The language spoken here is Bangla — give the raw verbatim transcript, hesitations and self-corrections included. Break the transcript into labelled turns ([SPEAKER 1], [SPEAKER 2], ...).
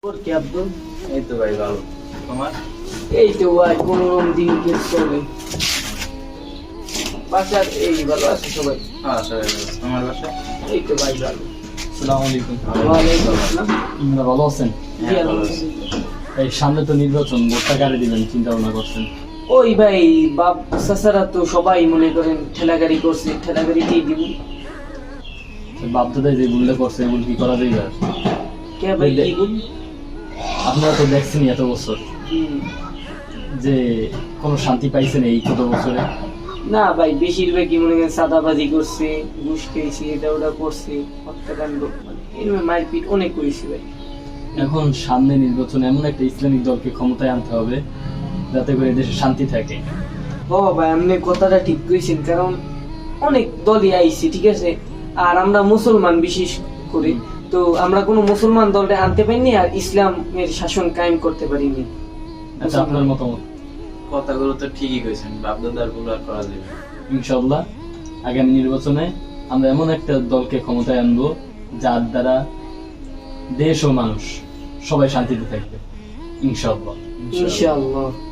[SPEAKER 1] তোর কি আব্দুল?
[SPEAKER 2] এই তো ভাই ভালো। তোমার?
[SPEAKER 1] এই তো ভাই কোনোরকম দিন কেটে চলে। বাসার এই ভালো আছে সবাই?
[SPEAKER 2] হ্যাঁ সবাই ভালো। তোমার বাসায়?
[SPEAKER 1] এই তো ভাই ভালো।
[SPEAKER 3] আসসালামু আলাইকুম।
[SPEAKER 1] ওয়ালাইকুম আসসালাম।
[SPEAKER 3] আপনারা ভালো আছেন?
[SPEAKER 1] জি
[SPEAKER 2] হ্যাঁ, ভালো
[SPEAKER 1] আলহামদুলিল্লাহ।
[SPEAKER 3] এই সামনে তো নির্বাচন, ভোটটা কারে দিবেন চিন্তা ভাবনা করছেন?
[SPEAKER 1] ওই ভাই বাপ চাচারা তো সবাই মনে করেন ঠেলাগাড়ি করছে, ঠেলাগাড়িতেই দিব।
[SPEAKER 3] বাপ দাদাই যে ভুলটা করছে এগুলো কি করা যাবে আর?
[SPEAKER 1] কে ভাই
[SPEAKER 3] এই দে-
[SPEAKER 1] কি বল?
[SPEAKER 3] আপনারা তো দেখছেন এত বছর
[SPEAKER 1] হুম।
[SPEAKER 3] যে কোনো শান্তি পাইছেন এই কত বছরে?
[SPEAKER 1] না ভাই বেশিরভাগই মনে করেন সাদাবাজি করছে, ঘুষ খেয়েছে, এটা ওটা করছে, হত্যাকাণ্ড মানে এরকম মারপিট অনেক করেছি ভাই।
[SPEAKER 3] এখন সামনে নির্বাচনে এমন একটা ইসলামিক দলকে ক্ষমতায় আনতে হবে যাতে করে দেশে শান্তি থাকে।
[SPEAKER 1] ও ভাই আপনি কথাটা ঠিক কইছেন, কারণ অনেক দলই আইছে ঠিক আছে, আর আমরা মুসলমান বিশেষ করে, তো আমরা কোনো মুসলমান দলটা আনতে পারিনি আর ইসলামের শাসন কায়েম করতে পারিনি।
[SPEAKER 3] আচ্ছা, আপনার মতামত?
[SPEAKER 2] কথাগুলো তো ঠিকই কইছেন, বাপ দাদার ভুল আর করা যাবে না।
[SPEAKER 3] ইনশাআল্লাহ আগামী নির্বাচনে আমরা এমন একটা দলকে ক্ষমতায় আনবো যার দ্বারা দেশ ও মানুষ সবাই শান্তিতে থাকবে ইনশাআল্লাহ।
[SPEAKER 1] ইনশাআল্লাহ।